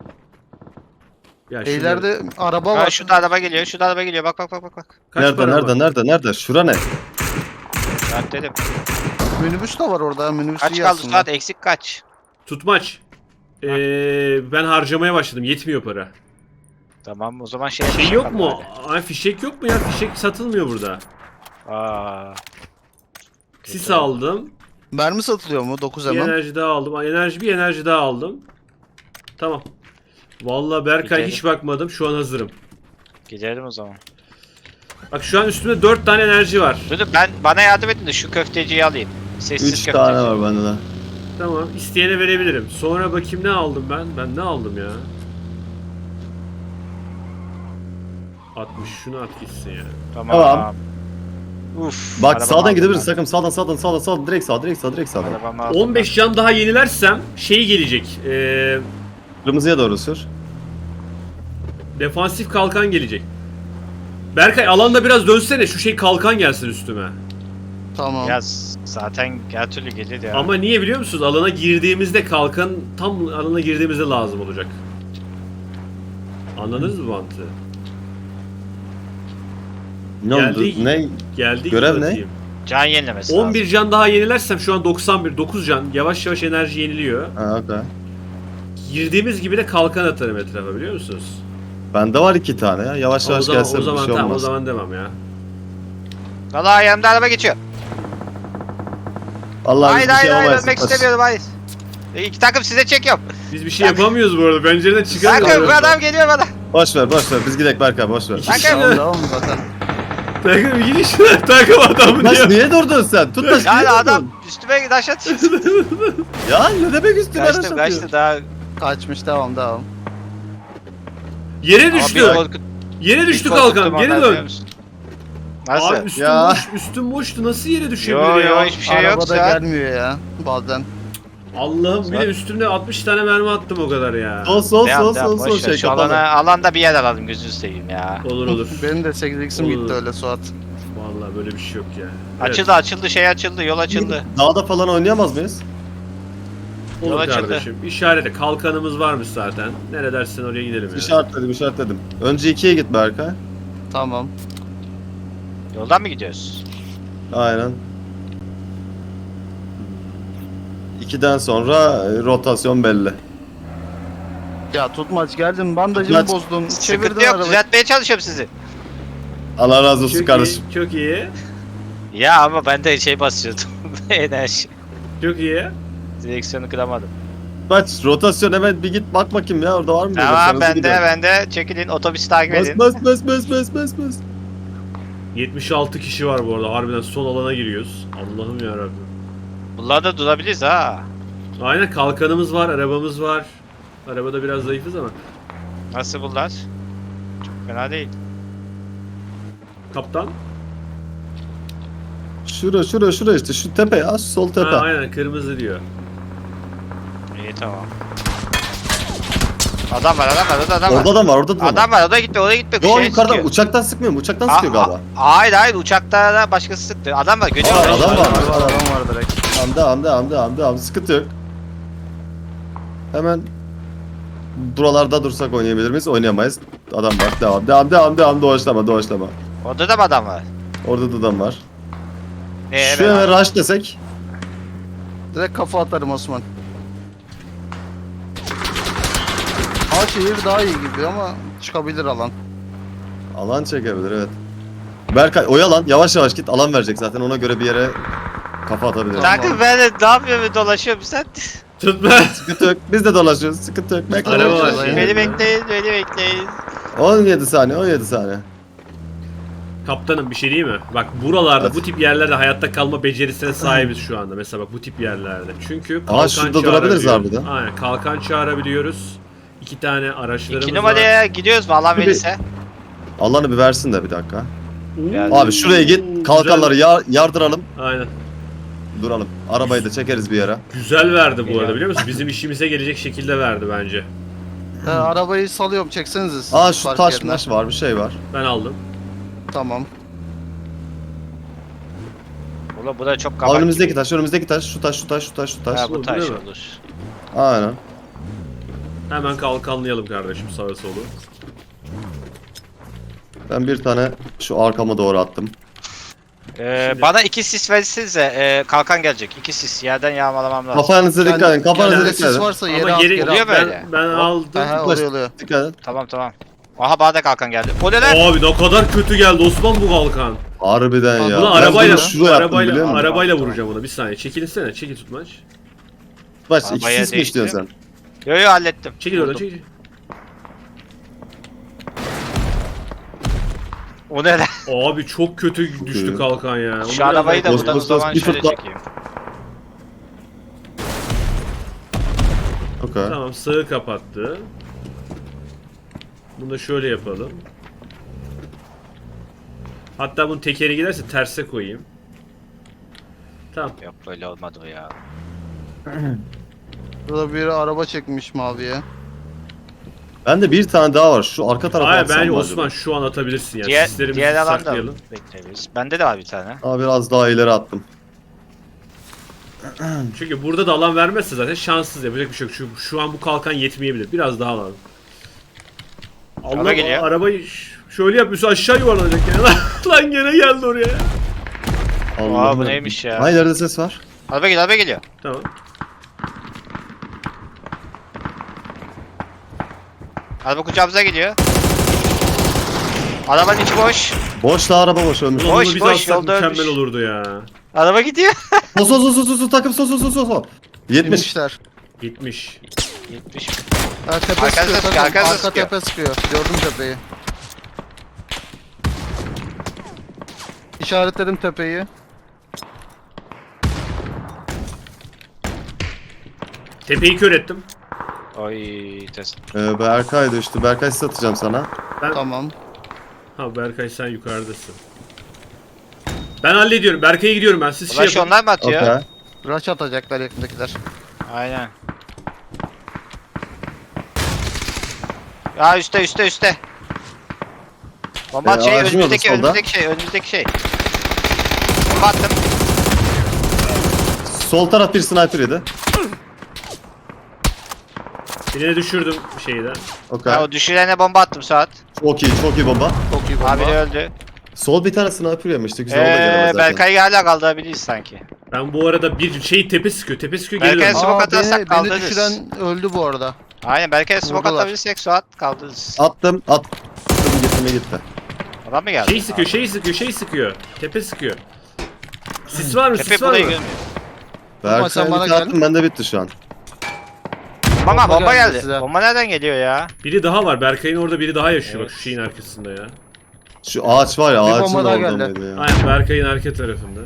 [SPEAKER 2] Ya şurada-
[SPEAKER 1] İleride araba
[SPEAKER 4] Ha
[SPEAKER 1] var.
[SPEAKER 4] şurada araba geliyor, şurada araba geliyor. Bak bak bak bak. bak.
[SPEAKER 2] kaç
[SPEAKER 3] Nerede
[SPEAKER 2] para
[SPEAKER 3] nerede
[SPEAKER 2] var?
[SPEAKER 3] nerede nerede? Şura ne?
[SPEAKER 4] Ben dedim.
[SPEAKER 1] Minibüs de var orada. Minibüs
[SPEAKER 4] Kaç
[SPEAKER 1] iyi
[SPEAKER 4] kaldı
[SPEAKER 1] aslında.
[SPEAKER 4] Suat? Eksik kaç?
[SPEAKER 2] Tutmaç. Ben harcamaya başladım. Yetmiyor para.
[SPEAKER 4] Tamam o zaman
[SPEAKER 2] Şey
[SPEAKER 4] yapalım
[SPEAKER 2] yok mu?
[SPEAKER 4] hadi.
[SPEAKER 2] Ay fişek yok mu ya? Fişek satılmıyor burada.
[SPEAKER 4] Aa.
[SPEAKER 2] Sis
[SPEAKER 4] Kötü.
[SPEAKER 2] aldım.
[SPEAKER 1] Mermi satılıyor mu? 9
[SPEAKER 2] Bir
[SPEAKER 1] hemen.
[SPEAKER 2] enerji daha aldım. Bir enerji daha aldım. Tamam. Vallahi Berkay
[SPEAKER 4] Gidelim.
[SPEAKER 2] hiç bakmadım. Şu an hazırım.
[SPEAKER 4] Gidelim o zaman.
[SPEAKER 2] Bak şu an üstümde 4 tane enerji var.
[SPEAKER 4] Dur bana yardım edin de şu köfteciyi alayım. Sessiz
[SPEAKER 3] 3
[SPEAKER 4] köfteci.
[SPEAKER 3] tane var bende de.
[SPEAKER 2] Tamam. İsteyene verebilirim. Sonra bakayım ne aldım ben? Ben ne aldım ya? 60. Şunu at gitsin ya.
[SPEAKER 4] Tamam.
[SPEAKER 3] Tamam.
[SPEAKER 4] Uf.
[SPEAKER 3] Bak
[SPEAKER 4] arabamı
[SPEAKER 3] sağdan
[SPEAKER 4] aldım
[SPEAKER 3] gidebiliriz
[SPEAKER 4] ben.
[SPEAKER 3] sakın, sağdan direkt sağ direkt sağdan.
[SPEAKER 4] Arabamı aldım
[SPEAKER 2] 15 can daha yenilersem şey gelecek.
[SPEAKER 3] Kırmızıya doğru sür.
[SPEAKER 2] Defansif kalkan gelecek. Berkay alanda biraz dönsene. Şu şey kalkan gelsin üstüme.
[SPEAKER 1] Tamam.
[SPEAKER 4] ben. Ya zaten her türlü gelir ya.
[SPEAKER 2] Ama niye biliyor musunuz? Alana girdiğimizde kalkan tam alana girdiğimizde lazım olacak. Anladınız mı mantığı?
[SPEAKER 3] Ne
[SPEAKER 2] Geldik.
[SPEAKER 3] oldu? Ne?
[SPEAKER 2] Geldi.
[SPEAKER 3] Görev ne?
[SPEAKER 2] atayım.
[SPEAKER 4] Can yenilemesi
[SPEAKER 2] 11
[SPEAKER 4] lazım.
[SPEAKER 2] can daha yenilersem şu an 91, 9 can. Yavaş yavaş enerji yeniliyor.
[SPEAKER 3] Ha okey.
[SPEAKER 2] Girdiğimiz gibi de kalkan atarım etrafa, biliyor musunuz?
[SPEAKER 3] Bende var 2 tane ya. Yavaş
[SPEAKER 2] O
[SPEAKER 3] yavaş
[SPEAKER 2] zaman,
[SPEAKER 3] gelse
[SPEAKER 2] o
[SPEAKER 3] bir
[SPEAKER 2] zaman
[SPEAKER 3] şey
[SPEAKER 2] tamam, o
[SPEAKER 3] olmaz.
[SPEAKER 2] zaman demem ya.
[SPEAKER 4] Valla yanımda araba geçiyor.
[SPEAKER 3] Allah
[SPEAKER 4] Hayır
[SPEAKER 3] bir şey
[SPEAKER 4] hayır hayır
[SPEAKER 3] yapamayız.
[SPEAKER 4] ölmek istemiyorum hayır. İki takım size çekiyorum.
[SPEAKER 2] Biz bir şey yapamıyoruz bu arada. Pencereden çıkamıyoruz.
[SPEAKER 4] Bakın bu adam geliyor bana.
[SPEAKER 3] Boş ver biz gidelim Berkay boş ver.
[SPEAKER 4] Bakın.
[SPEAKER 1] Tamam devam zaten.
[SPEAKER 2] Takım bir gidiş. Takım adamı
[SPEAKER 3] Tutmaç
[SPEAKER 2] diyor.
[SPEAKER 3] niye durdun sen? Tutmaç
[SPEAKER 4] Yani
[SPEAKER 3] niye
[SPEAKER 4] adam
[SPEAKER 3] durdun?
[SPEAKER 4] üstüme taş atıyor.
[SPEAKER 3] Ya ne demek üstüne araç
[SPEAKER 4] Kaçtım
[SPEAKER 3] atıyor?
[SPEAKER 4] kaçtı daha.
[SPEAKER 1] Kaçmış devam.
[SPEAKER 2] Yere
[SPEAKER 4] Ama
[SPEAKER 2] düştü.
[SPEAKER 4] bir korkut-
[SPEAKER 2] Yere düştü
[SPEAKER 4] bir korkuttum
[SPEAKER 2] kalkan. Geri
[SPEAKER 4] ondan, biliyor
[SPEAKER 2] dön.
[SPEAKER 4] musun? Nasıl?
[SPEAKER 2] Abi üstüm
[SPEAKER 3] Ya.
[SPEAKER 2] boş. Üstüm boştu. Nasıl yere düşebilir
[SPEAKER 4] Yo
[SPEAKER 2] ya?
[SPEAKER 4] yo hiçbir şey yok
[SPEAKER 1] Arabada
[SPEAKER 4] ya.
[SPEAKER 1] gelmiyor ya bazen.
[SPEAKER 2] Allah'ım bir de üstümde 60 tane mermi attım o kadar ya.
[SPEAKER 3] Sol
[SPEAKER 4] Devam,
[SPEAKER 3] şey
[SPEAKER 4] Şu
[SPEAKER 3] kapalı.
[SPEAKER 4] alanda bir yer alalım gözünü seveyim ya.
[SPEAKER 2] Olur olur.
[SPEAKER 1] Benim de 8x'im
[SPEAKER 2] Olur.
[SPEAKER 1] gitti öyle Suat.
[SPEAKER 2] Vallahi böyle bir şey yok ya. Evet,
[SPEAKER 4] Açıldı şey açıldı yol açıldı.
[SPEAKER 3] Dağda falan oynayamaz mıyız?
[SPEAKER 2] olur
[SPEAKER 4] Yol açıldı.
[SPEAKER 2] kardeşim. İşarete kalkanımız varmış zaten. Nereye dersen oraya gidelim ya.
[SPEAKER 3] İşaretledim. Önce 2'ye git Berkay.
[SPEAKER 1] Tamam.
[SPEAKER 4] Yoldan mı gidiyoruz?
[SPEAKER 3] Aynen. 2'den sonra rotasyon belli.
[SPEAKER 1] Ya tutmaç geldin bandajımı
[SPEAKER 3] Tutmaç.
[SPEAKER 1] bozdun.
[SPEAKER 4] Sıkıntı
[SPEAKER 1] Çevirdin
[SPEAKER 4] yok
[SPEAKER 1] arabayı.
[SPEAKER 4] düzeltmeye çalışıyorum sizi.
[SPEAKER 3] Allah razı olsun
[SPEAKER 2] Çok
[SPEAKER 3] kardeşim.
[SPEAKER 2] iyi, çok iyi.
[SPEAKER 4] Ya ama ben de şey basıyordum. Enerji.
[SPEAKER 2] Çok iyi.
[SPEAKER 4] Direksiyonu kıramadım.
[SPEAKER 3] Bak rotasyon hemen bir git bak bakayım ya orada var mı?
[SPEAKER 4] Tamam bende çekilin otobüsü takip edin.
[SPEAKER 3] Bas.
[SPEAKER 2] 76 kişi var bu arada. Harbiden son alana giriyoruz. Allah'ım yarabbim.
[SPEAKER 4] Bunlar da durabiliriz ha.
[SPEAKER 2] Aynen kalkanımız var, arabamız var. Arabada biraz zayıfız ama.
[SPEAKER 4] Nasıl bunlar? Çok fena değil.
[SPEAKER 2] Kaptan.
[SPEAKER 3] Şura işte şu tepe ya şu sol tepe.
[SPEAKER 2] Ha, aynen kırmızı diyor.
[SPEAKER 4] İyi tamam. Adam var, adam var, orada adam var.
[SPEAKER 3] Orada da var, orada da var.
[SPEAKER 4] Adam var, oraya gitme, oraya gitme.
[SPEAKER 3] Yo
[SPEAKER 4] Şeye
[SPEAKER 3] yukarıdan
[SPEAKER 4] sıkıyor.
[SPEAKER 3] uçaktan sıkmıyor mu? Uçaktan sıkıyor galiba.
[SPEAKER 4] Hayır, uçakta da başkası sıktı. Adam var, görüyor
[SPEAKER 3] Aa,
[SPEAKER 4] musun?
[SPEAKER 3] adam var.
[SPEAKER 1] Adam var direkt.
[SPEAKER 3] Hamdi sıkıntı yok. Hemen buralarda dursak oynayabilir miyiz? Oynayamayız. Adam var. Devam. Doğaçlama.
[SPEAKER 4] Orada da mı adam var?
[SPEAKER 3] Orada da adam var.
[SPEAKER 4] Evet.
[SPEAKER 3] Şu hemen rush desek.
[SPEAKER 1] Direkt kafa atarım Osman. Ha şehir daha iyi gibi ama çıkabilir alan.
[SPEAKER 3] Alan çekebilir evet. Berkay oyalan. Yavaş yavaş git. Alan verecek zaten. Ona göre bir yere kafa atabilir.
[SPEAKER 1] Tamam.
[SPEAKER 4] Kanka ben de ne yapıyorum, dolaşıyorum sen.
[SPEAKER 2] Tutma.
[SPEAKER 3] Sıkıntı yok. Biz de dolaşıyoruz. Sıkıntı yok. Bekle.
[SPEAKER 2] Araba var.
[SPEAKER 4] Beni bekleyin.
[SPEAKER 3] 17 saniye.
[SPEAKER 2] Kaptanım bir şey değil mi? Bak buralarda
[SPEAKER 3] Evet.
[SPEAKER 2] bu tip yerlerde hayatta kalma becerisine sahibiz şu anda. Mesela bak bu tip yerlerde. Çünkü
[SPEAKER 3] şurada durabiliriz
[SPEAKER 2] çağırabiliyoruz.
[SPEAKER 3] harbiden.
[SPEAKER 2] Aynen kalkan çağırabiliyoruz. 2 tane araçlarımız
[SPEAKER 4] 2
[SPEAKER 2] var.
[SPEAKER 4] numaraya gidiyoruz mu alan
[SPEAKER 3] Bir-
[SPEAKER 4] verirse?
[SPEAKER 3] Alanı bir versin de bir dakika.
[SPEAKER 2] Oo,
[SPEAKER 3] Abi şuraya git. Kalkanları yardıralım.
[SPEAKER 2] Aynen.
[SPEAKER 3] Duralım. Arabayı da çekeriz bir yere.
[SPEAKER 2] Güzel verdi bu arada
[SPEAKER 4] Geliyor.
[SPEAKER 2] biliyor musun? Bizim işimize gelecek şekilde verdi bence.
[SPEAKER 1] Arabayı salıyorum çeksenize siz.
[SPEAKER 3] Aa şu
[SPEAKER 1] park
[SPEAKER 3] taş
[SPEAKER 1] yerine.
[SPEAKER 3] maş var bir şey var.
[SPEAKER 2] Ben aldım.
[SPEAKER 1] Tamam.
[SPEAKER 4] Ulan bu da çok
[SPEAKER 3] Aa,
[SPEAKER 4] kabak
[SPEAKER 3] önümüzdeki
[SPEAKER 4] gibi.
[SPEAKER 3] taş. Şu taş.
[SPEAKER 4] Ha bu
[SPEAKER 2] Bu
[SPEAKER 4] taş
[SPEAKER 2] değil mi?
[SPEAKER 4] olur.
[SPEAKER 3] Aynen.
[SPEAKER 2] Hemen kalkanlayalım kardeşim sağa solu.
[SPEAKER 3] Ben bir tane şu arkama doğru attım.
[SPEAKER 2] Şimdi-
[SPEAKER 4] Bana 2 sis verirsenize kalkan gelecek. 2 sis yerden yağmalamam lazım.
[SPEAKER 3] Kafanıza dikkat edin. Kafanıza
[SPEAKER 1] Kendine
[SPEAKER 3] dikkat
[SPEAKER 1] sis
[SPEAKER 3] edin.
[SPEAKER 1] varsa yere
[SPEAKER 2] Ama
[SPEAKER 1] at
[SPEAKER 2] geri
[SPEAKER 1] geri
[SPEAKER 4] oluyor
[SPEAKER 1] at.
[SPEAKER 4] böyle.
[SPEAKER 2] ben aldım.
[SPEAKER 1] Aha
[SPEAKER 3] Ulaş.
[SPEAKER 1] oluyor oluyor.
[SPEAKER 3] Dikkat edin.
[SPEAKER 4] Tamam. Aha bana da kalkan geldi. O ne lan?
[SPEAKER 2] Abi ne kadar kötü geldi Osman bu kalkan.
[SPEAKER 3] Harbiden ya.
[SPEAKER 2] Buna
[SPEAKER 3] Ben
[SPEAKER 2] arabayla
[SPEAKER 3] bunu şuraya yaptım biliyor musun?
[SPEAKER 2] arabayla vuracağım ona. Bir saniye. Çekilsene. Çekil tutmaç.
[SPEAKER 3] Baş
[SPEAKER 4] Arabaya
[SPEAKER 3] ikisiz mi
[SPEAKER 4] değiştim.
[SPEAKER 3] istiyorsun sen?
[SPEAKER 4] Yo hallettim.
[SPEAKER 2] Çekil oradan
[SPEAKER 4] Buldum.
[SPEAKER 2] çekil.
[SPEAKER 4] O ne lan?
[SPEAKER 2] Abi çok kötü düştü
[SPEAKER 3] kötü.
[SPEAKER 2] kalkan ya. Onu
[SPEAKER 4] Şu
[SPEAKER 2] biraz
[SPEAKER 4] arabayı da
[SPEAKER 2] daha-
[SPEAKER 4] buradan o
[SPEAKER 3] Bos,
[SPEAKER 4] zaman
[SPEAKER 3] bir
[SPEAKER 4] şöyle
[SPEAKER 3] fırtla.
[SPEAKER 4] çekeyim.
[SPEAKER 3] Okey.
[SPEAKER 2] Tamam sağı kapattı. Bunu da şöyle yapalım. Hatta bunun tekeri giderse terse koyayım. Tamam.
[SPEAKER 4] Yok böyle olmadı o ya.
[SPEAKER 1] Burada biri araba çekmiş maviye.
[SPEAKER 3] Bende bir tane daha var. Şu arka tarafa
[SPEAKER 2] Hayır
[SPEAKER 3] atsam
[SPEAKER 2] bence
[SPEAKER 3] mı
[SPEAKER 2] Osman
[SPEAKER 3] acaba?
[SPEAKER 2] şu an atabilirsin ya.
[SPEAKER 4] Diğer
[SPEAKER 2] Sislerimizi
[SPEAKER 4] alanda
[SPEAKER 2] saklayalım.
[SPEAKER 4] bekleyebiliriz. Bende de var bir tane.
[SPEAKER 3] Aa, biraz daha ileri attım.
[SPEAKER 2] Çünkü burada da alan vermezse zaten şanssız yapacak bir şey yok. Şu an bu kalkan yetmeyebilir. Biraz daha lazım.
[SPEAKER 4] Araba geliyor.
[SPEAKER 2] Arabayı şöyle yapıyorsa aşağı yuvarlanacak yani. Lan gene geldi oraya.
[SPEAKER 3] Allah'ım.
[SPEAKER 4] bu neymiş ya?
[SPEAKER 3] Hayır ileride ses var.
[SPEAKER 4] Araba geliyor.
[SPEAKER 2] Tamam.
[SPEAKER 4] Araba kucağımıza geliyor. Arabanın içi boş.
[SPEAKER 3] Boş da araba boş ölmüş.
[SPEAKER 2] Ulan
[SPEAKER 4] Boş,
[SPEAKER 2] onu biz
[SPEAKER 4] boş,
[SPEAKER 2] alsak
[SPEAKER 4] yolda
[SPEAKER 2] mükemmel
[SPEAKER 4] ölmüş.
[SPEAKER 2] olurdu ya.
[SPEAKER 4] Araba gidiyor.
[SPEAKER 3] Sol takım sol. 70.
[SPEAKER 1] Binmişler.
[SPEAKER 2] Gitmiş.
[SPEAKER 4] 70.
[SPEAKER 1] Ha, tepe
[SPEAKER 4] Arkanıza
[SPEAKER 1] sıkıyor.
[SPEAKER 4] sıkıyor,
[SPEAKER 1] takım.
[SPEAKER 4] arkanıza
[SPEAKER 1] Arka
[SPEAKER 4] sıkıyor.
[SPEAKER 1] tepe sıkıyor. Gördüm tepeyi. İşaretledim tepeyi.
[SPEAKER 2] Tepeyi kör ettim.
[SPEAKER 4] Oy test.
[SPEAKER 3] Berkay düştü. Berkay size atacağım sana.
[SPEAKER 1] Tamam.
[SPEAKER 2] Ha Berkay sen yukarıdasın. Ben hallediyorum. Berkay'a gidiyorum ben. Siz şey
[SPEAKER 4] Ulaş
[SPEAKER 2] yapın.
[SPEAKER 4] onlar mı atıyor?
[SPEAKER 3] Okey.
[SPEAKER 1] Rush atacaklar yakındakiler.
[SPEAKER 4] Aynen. Ya üstte. Bomba at şey
[SPEAKER 3] ağacın orada, solda.
[SPEAKER 4] önümüzdeki şey. Bomba attım.
[SPEAKER 3] Sol taraf bir sniper yedi.
[SPEAKER 2] Birine düşürdüm şeyden.
[SPEAKER 3] Okey.
[SPEAKER 4] Ya o düşürene bomba attım Suat.
[SPEAKER 3] Çok iyi bomba.
[SPEAKER 1] Çok iyi bomba.
[SPEAKER 4] Abi de öldü.
[SPEAKER 3] Sol bir tane sniper yemişti. Güzel o da gelemez zaten.
[SPEAKER 4] Berkay'ı hala kaldırabiliriz sanki.
[SPEAKER 2] Ben bu arada bir şey tepe sıkıyor. Tepe sıkıyor geri
[SPEAKER 4] Berkay
[SPEAKER 2] dönüyor.
[SPEAKER 4] smoke
[SPEAKER 1] Aa,
[SPEAKER 4] atarsak
[SPEAKER 1] beni
[SPEAKER 4] kaldırırız.
[SPEAKER 1] düşüren öldü bu arada.
[SPEAKER 4] Aynen Berkay'a smoke
[SPEAKER 1] Vurdular.
[SPEAKER 4] atabilirsek Suat kaldırırız.
[SPEAKER 3] Attım. Gitti.
[SPEAKER 4] Adam mı geldi?
[SPEAKER 2] Şey sıkıyor. Tepe sıkıyor. Sis var mı?
[SPEAKER 4] Tepe
[SPEAKER 2] Sis var
[SPEAKER 4] burayı
[SPEAKER 2] mı?
[SPEAKER 4] görmüyor.
[SPEAKER 3] Berkay
[SPEAKER 1] sen bana
[SPEAKER 3] bir
[SPEAKER 1] gel.
[SPEAKER 3] attım. Bende bitti şu an.
[SPEAKER 4] Bomba
[SPEAKER 1] geldi
[SPEAKER 4] geldi.
[SPEAKER 1] size.
[SPEAKER 4] Bomba nereden geliyor ya?
[SPEAKER 2] Biri daha var. Berkay'ın orada biri daha yaşıyor.
[SPEAKER 4] Evet.
[SPEAKER 2] Bak şu şeyin arkasında ya.
[SPEAKER 3] Şu ağaç var ya.
[SPEAKER 1] Bir
[SPEAKER 3] Ağacın
[SPEAKER 1] bomba daha
[SPEAKER 3] orada
[SPEAKER 1] geldi.
[SPEAKER 3] mıydı ya?
[SPEAKER 2] Aynen Berkay'ın arka tarafında.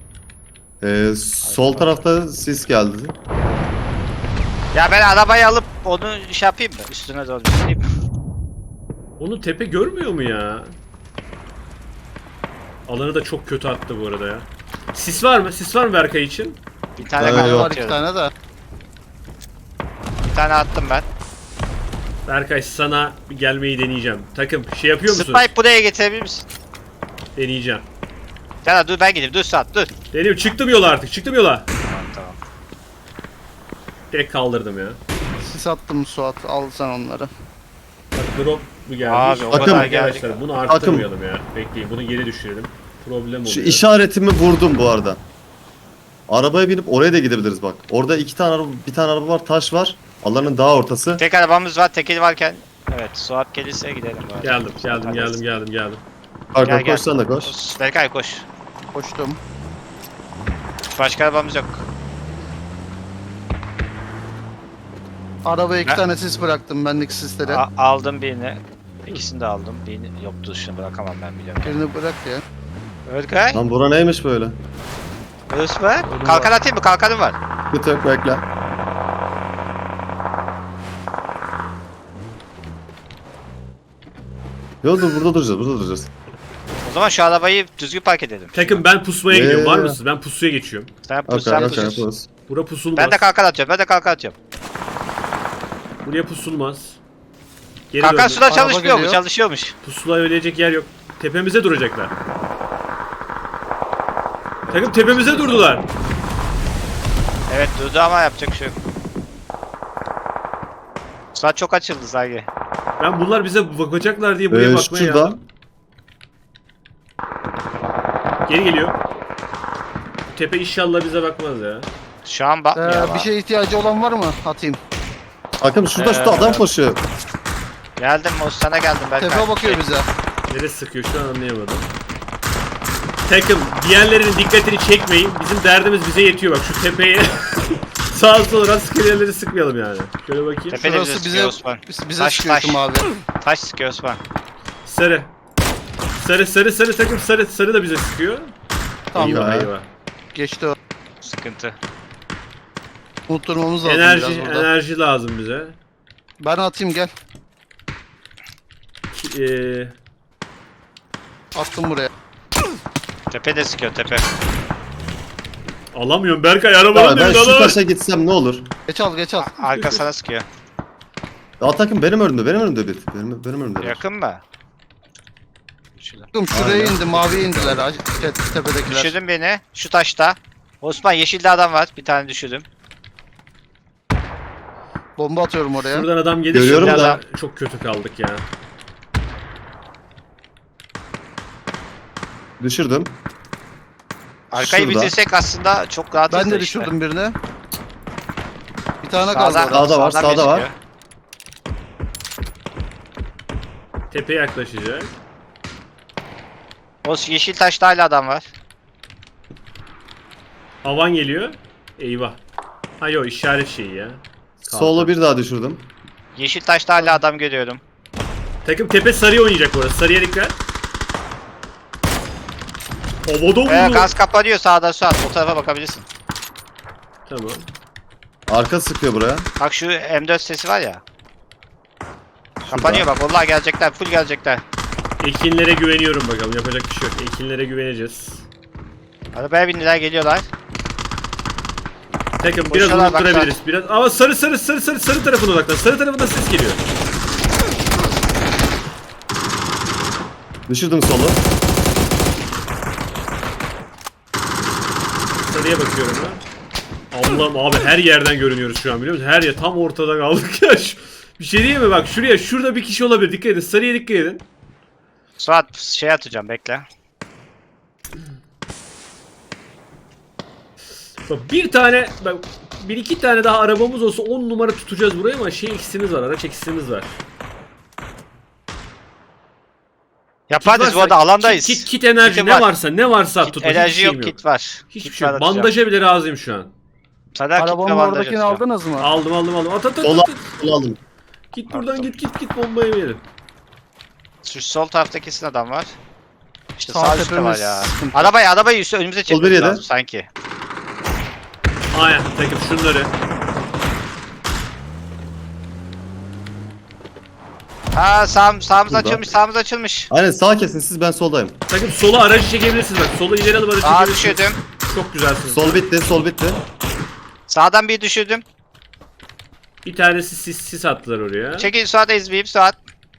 [SPEAKER 3] Sol tarafta sis geldi.
[SPEAKER 4] Ya ben arabayı alıp onu şey yapayım mı? Üstüne doğru düşüreyim.
[SPEAKER 2] Onu tepe görmüyor mu ya? Alanı da çok kötü attı bu arada ya. Sis var mı? Sis var mı Berkay için?
[SPEAKER 4] Bir tane
[SPEAKER 3] Evet,
[SPEAKER 4] kaldı
[SPEAKER 3] yok.
[SPEAKER 1] Var iki
[SPEAKER 4] atıyorum.
[SPEAKER 1] tane de.
[SPEAKER 4] Bir tane attım ben.
[SPEAKER 2] Berkay sana bir gelmeyi deneyeceğim. Takım şey yapıyor musun?
[SPEAKER 4] Spike buraya getirebilir misin?
[SPEAKER 2] Deneyeceğim.
[SPEAKER 4] Gel dur ben gideyim. Dur Suat dur.
[SPEAKER 2] Deniyorum, çıktım yola artık, çıktım yola.
[SPEAKER 4] Tamam.
[SPEAKER 2] Direkt kaldırdım ya.
[SPEAKER 1] Sis attım Suat. Al sen onları.
[SPEAKER 2] Bak drop mu geldi?
[SPEAKER 4] Abi, o
[SPEAKER 3] kadar
[SPEAKER 2] Arkadaşlar
[SPEAKER 4] geldik.
[SPEAKER 2] bunu arttırmayalım ya. Bekleyin, bunu geri düşürelim. Problem oluyor.
[SPEAKER 3] Şu işaretimi vurdum bu arada. Arabaya binip oraya da gidebiliriz bak. Orada iki tane araba, bir tane araba var, taş var. Alanın daha ortası.
[SPEAKER 4] Tek arabamız var. Tekeli varken. Evet Suat gelirse gidelim. bari.
[SPEAKER 2] Geldim.
[SPEAKER 4] Gel,
[SPEAKER 3] Pardon
[SPEAKER 4] gel.
[SPEAKER 3] koş sen de koş.
[SPEAKER 4] Berkay koş.
[SPEAKER 1] Koştum.
[SPEAKER 4] Başka arabamız yok.
[SPEAKER 1] Arabaya iki
[SPEAKER 4] Ne?
[SPEAKER 1] tane sis bıraktım bendeki sisleri.
[SPEAKER 4] Aldım birini. İkisini de aldım. Birini yoktu şunu bırakamam ben biliyorum.
[SPEAKER 1] Birini bırak ya.
[SPEAKER 4] Berkay.
[SPEAKER 3] Lan bura neymiş böyle?
[SPEAKER 4] Örs var. Kalkan atayım mı? Kalkanım var.
[SPEAKER 3] Bir tek bekle. Yok dur burada duracağız.
[SPEAKER 4] O zaman şu arabayı düzgün park edelim.
[SPEAKER 2] Takım ben pusmaya gidiyorum. Var
[SPEAKER 3] Ee.
[SPEAKER 2] mısınız? Ben pusuya geçiyorum.
[SPEAKER 4] Sen pus,
[SPEAKER 3] Okey
[SPEAKER 4] sen
[SPEAKER 3] okey
[SPEAKER 4] pus.
[SPEAKER 3] yaparız.
[SPEAKER 2] Bura pusulmaz.
[SPEAKER 4] Ben de kalkan atıyorum.
[SPEAKER 2] Buraya pusulmaz. Geri
[SPEAKER 4] Kalkan
[SPEAKER 2] döndüm.
[SPEAKER 4] suda
[SPEAKER 1] Araba
[SPEAKER 4] çalışmıyor mu?
[SPEAKER 1] geliyor.
[SPEAKER 4] Çalışıyormuş.
[SPEAKER 2] Pusula ölecek yer yok. Tepemize duracaklar. Takım tepemize durdular.
[SPEAKER 4] Evet durdu ama yapacak bir şey yok. Suat çok açıldı sanki.
[SPEAKER 2] Ben bunlar bize bakacaklar diye buraya bakmaya
[SPEAKER 3] Şurada.
[SPEAKER 2] geldim. Geri geliyor. Tepe inşallah bize bakmaz ya.
[SPEAKER 4] Şu an bakmıyor ama.
[SPEAKER 1] Bir şeye ihtiyacı olan var mı? Atayım.
[SPEAKER 3] Bakın şurada adam koşuyor.
[SPEAKER 4] Geldim o sana geldim Berkay.
[SPEAKER 1] Tepe bakıyor bize.
[SPEAKER 2] Neresi sıkıyor şu an anlayamadım. Takım diğerlerinin dikkatini çekmeyin. Bizim derdimiz bize yetiyor bak şu tepeye. Sağa sola rastgele yerleri sıkmayalım yani. Şöyle bakayım.
[SPEAKER 4] Tepe de bize
[SPEAKER 1] Şurası
[SPEAKER 4] sıkıyor
[SPEAKER 1] bize
[SPEAKER 4] Osman.
[SPEAKER 1] bize
[SPEAKER 4] Taş,
[SPEAKER 1] sıkıyor
[SPEAKER 4] taş.
[SPEAKER 1] Tüm abi.
[SPEAKER 4] Taş sıkıyor Osman.
[SPEAKER 2] Sarı. Sarı takım sarı da bize sıkıyor.
[SPEAKER 1] Tamam
[SPEAKER 2] eyvah
[SPEAKER 3] ya.
[SPEAKER 2] eyvah.
[SPEAKER 1] geçti o.
[SPEAKER 4] Sıkıntı.
[SPEAKER 1] Unutturmamız lazım biraz burada.
[SPEAKER 2] Enerji lazım bize.
[SPEAKER 1] Ben atayım gel.
[SPEAKER 2] Eee
[SPEAKER 1] Attım buraya.
[SPEAKER 4] Tepe de sıkıyor tepe.
[SPEAKER 2] alamıyorum Berkay arabanın
[SPEAKER 3] Ya ben
[SPEAKER 2] önünde
[SPEAKER 3] şu
[SPEAKER 2] alamıyorum.
[SPEAKER 3] taşa gitsem ne olur?
[SPEAKER 1] Geç al geç al.
[SPEAKER 4] Arka sana sıkıyor.
[SPEAKER 3] Atakim benim önümde bir. Benim önümde.
[SPEAKER 4] Yakın mı? Şurada.
[SPEAKER 1] Bakın şuraya
[SPEAKER 3] Aynen.
[SPEAKER 1] indi maviye indiler tepedekiler.
[SPEAKER 4] Düşürdün beni. Şu taşta. Osman yeşilde adam var. Bir tane düşürdüm.
[SPEAKER 1] Bomba atıyorum oraya.
[SPEAKER 2] Şuradan adam gelir.
[SPEAKER 3] Görüyorum
[SPEAKER 2] şimdi
[SPEAKER 3] da.
[SPEAKER 2] Çok kötü kaldık ya.
[SPEAKER 3] Düşürdüm.
[SPEAKER 4] Arkayı
[SPEAKER 3] Şurada.
[SPEAKER 4] bitirsek aslında çok rahatız
[SPEAKER 1] Ben
[SPEAKER 4] da
[SPEAKER 1] de
[SPEAKER 4] işte.
[SPEAKER 1] düşürdüm birini. Bir tane kaldı
[SPEAKER 4] Sağdan,
[SPEAKER 1] orada.
[SPEAKER 3] Sağda var,
[SPEAKER 4] sağdan
[SPEAKER 3] sağda var.
[SPEAKER 4] gözüküyor.
[SPEAKER 2] Tepeye yaklaşacak.
[SPEAKER 4] O yeşil taşta hala adam var.
[SPEAKER 2] Avan geliyor. Eyvah. Ha yok işaret şeyi ya.
[SPEAKER 3] Solo bir daha düşürdüm.
[SPEAKER 4] Yeşil taşta hala adam görüyorum.
[SPEAKER 2] Takım tepe sarıya oynayacak orası. Sarıya dikkat. Havada vurdu.
[SPEAKER 4] Gaz kapanıyor sağdan Suat. O tarafa bakabilirsin.
[SPEAKER 2] Tamam.
[SPEAKER 3] Arka sıkıyor buraya.
[SPEAKER 4] Bak şu M4 sesi var ya. Kapanıyor bak. Vallahi gelecekler. Full gelecekler.
[SPEAKER 2] Ekinlere güveniyorum bakalım. Yapacak bir şey yok. Ekinlere güveneceğiz.
[SPEAKER 4] Arabaya bindiler geliyorlar.
[SPEAKER 2] Takım biraz
[SPEAKER 4] Koşuyorlar, bak,
[SPEAKER 2] unutturabiliriz. Biraz ama sarı tarafına odaklan. Sarı tarafından ses geliyor.
[SPEAKER 3] Düşürdüm solu.
[SPEAKER 2] Sarıya bakıyorum ben. Allah'ım abi her yerden görünüyoruz şu an biliyor musun? Her yer tam ortada kaldık ya. Bir şey diyeyim mi? Bak şurada bir kişi olabilir. Dikkat edin. Sarıya dikkat edin.
[SPEAKER 4] Suat şey atacağım bekle.
[SPEAKER 2] Bak bir iki tane daha arabamız olsa 10 numara tutacağız burayı ama eksiğimiz var. Araç eksiğimiz var.
[SPEAKER 4] Yaparız bu arada alandayız.
[SPEAKER 2] Kit enerji
[SPEAKER 4] Kitim
[SPEAKER 2] ne
[SPEAKER 4] var.
[SPEAKER 2] varsa
[SPEAKER 4] Kit,
[SPEAKER 2] tut.
[SPEAKER 4] enerji yok, kit var.
[SPEAKER 2] Hiçbir
[SPEAKER 4] Kit
[SPEAKER 2] şey yok.
[SPEAKER 4] var atacağım.
[SPEAKER 2] Bandaja bile razıyım şu an.
[SPEAKER 4] Sana kit ve
[SPEAKER 1] Arabanın
[SPEAKER 4] bandaj
[SPEAKER 1] oradakini
[SPEAKER 4] atacağım.
[SPEAKER 1] aldınız mı?
[SPEAKER 2] Aldım. At.
[SPEAKER 3] Sola aldım.
[SPEAKER 2] Git buradan git bombayı yemeyelim.
[SPEAKER 4] Şu sol tarafta kesin adam var. İşte
[SPEAKER 1] Sağ
[SPEAKER 4] sağ üstte var
[SPEAKER 1] tepemiz
[SPEAKER 4] ya.
[SPEAKER 1] sıkıntı.
[SPEAKER 4] Arabayı üstü önümüze
[SPEAKER 3] bir
[SPEAKER 4] çekmemiz
[SPEAKER 3] yedi.
[SPEAKER 4] lazım sanki.
[SPEAKER 2] Aynen takım şunları.
[SPEAKER 4] Ha sağımız
[SPEAKER 3] Burada.
[SPEAKER 4] açılmış.
[SPEAKER 3] Aynen sağ kesin siz ben soldayım.
[SPEAKER 2] Takım sola aracı çekebilirsiniz bak. Sola ileri alıp aracı
[SPEAKER 4] Sağa
[SPEAKER 2] çekebilirsiniz.
[SPEAKER 4] düşürdüm.
[SPEAKER 2] Çok güzelsiniz.
[SPEAKER 3] Sol bitti.
[SPEAKER 4] Sağdan bir düşürdüm.
[SPEAKER 2] Bir tanesi sis attılar oraya.
[SPEAKER 4] Çekil Suat ezmeyeyim Suat.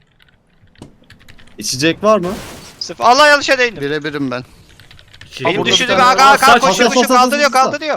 [SPEAKER 3] İçecek var mı?
[SPEAKER 4] Sıfır. Allah yanlışa değindim.
[SPEAKER 1] Birebirim ben.
[SPEAKER 2] Şey,
[SPEAKER 4] Benim
[SPEAKER 1] burada
[SPEAKER 4] düşürdü
[SPEAKER 1] bir
[SPEAKER 4] be
[SPEAKER 1] tane
[SPEAKER 4] aga
[SPEAKER 2] var.
[SPEAKER 4] koşuyor
[SPEAKER 3] Saç,
[SPEAKER 4] koşuyor
[SPEAKER 3] saç,
[SPEAKER 4] kaldırıyor
[SPEAKER 3] saç, saç.
[SPEAKER 4] kaldırıyor.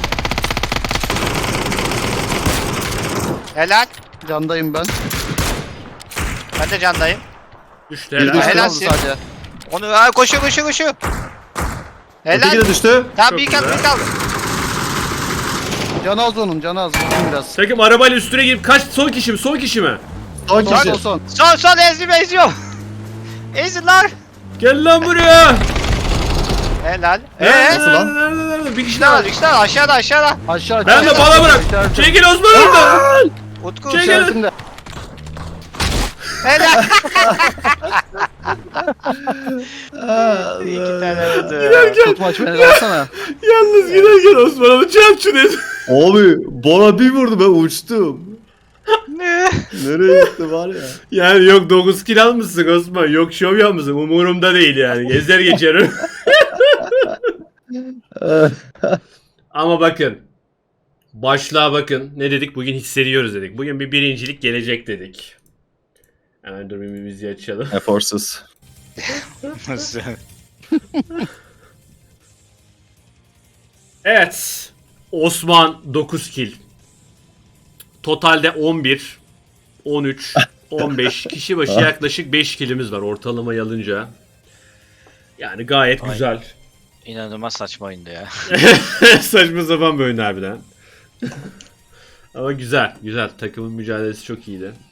[SPEAKER 4] Helal.
[SPEAKER 1] Candayım ben.
[SPEAKER 4] Ben de candayım.
[SPEAKER 2] düştü
[SPEAKER 3] Bir
[SPEAKER 2] helal.
[SPEAKER 3] düştü.
[SPEAKER 4] Helal.
[SPEAKER 1] Kaldı sadece.
[SPEAKER 4] Onu koşuyor.
[SPEAKER 3] Öteki
[SPEAKER 4] Helal.
[SPEAKER 3] de düştü.
[SPEAKER 4] Tamam
[SPEAKER 2] Çok
[SPEAKER 4] bir kaldı
[SPEAKER 2] güzel.
[SPEAKER 4] bir kaldı.
[SPEAKER 1] Canı az onun, canı az. Vurayım biraz.
[SPEAKER 2] Takım arabayla üstüne girip kaç son kişi mi? Son kişi mi?
[SPEAKER 3] Son
[SPEAKER 1] Son,
[SPEAKER 3] kişi.
[SPEAKER 1] son.
[SPEAKER 4] Son eziyorum. Ezin lan.
[SPEAKER 2] Gel lan buraya.
[SPEAKER 4] Helal.
[SPEAKER 3] Nasıl lan?
[SPEAKER 2] Nerede? Bir kişi
[SPEAKER 4] İşte
[SPEAKER 2] daha
[SPEAKER 4] var
[SPEAKER 2] var.
[SPEAKER 4] işte aşağıda.
[SPEAKER 1] Aşağı.
[SPEAKER 2] Ben de
[SPEAKER 1] aşağı.
[SPEAKER 2] bana bırak.
[SPEAKER 1] İşaretim.
[SPEAKER 2] Çekil Osman orada.
[SPEAKER 4] Utku.
[SPEAKER 2] Çek.
[SPEAKER 1] İşaretimde.
[SPEAKER 4] Helal.
[SPEAKER 3] Allah.
[SPEAKER 4] İki tane vurdu.
[SPEAKER 1] Tutmaç beni alsana.
[SPEAKER 2] Yalnız giderken Osman'ı çarpçı dedi.
[SPEAKER 3] Abi bana bir vurdu ben uçtum.
[SPEAKER 4] Ne?
[SPEAKER 3] Nereye gitti var ya?
[SPEAKER 2] Yani yok 9 kill almışsın Osman. Yok şov yapmışsın. Umurumda değil yani. Gezer geçerim. Ama bakın. Başlığa bakın. Ne dedik? Bugün hissediyoruz dedik. Bugün bir birincilik gelecek dedik. Hemen dur bir müziği açalım.
[SPEAKER 3] Eforsuz.
[SPEAKER 4] Nasıl?
[SPEAKER 2] Evet. Osman 9 kill. Totalde 11, 13, 15 kişi başı yaklaşık 5 killimiz var ortalamayı alınca. Yani gayet
[SPEAKER 4] Ay.
[SPEAKER 2] güzel.
[SPEAKER 4] İnanılmaz saçma oyundu ya.
[SPEAKER 2] Saçma sapan bir oyun harbiden. Ama güzel, güzel. Takımın mücadelesi çok iyiydi.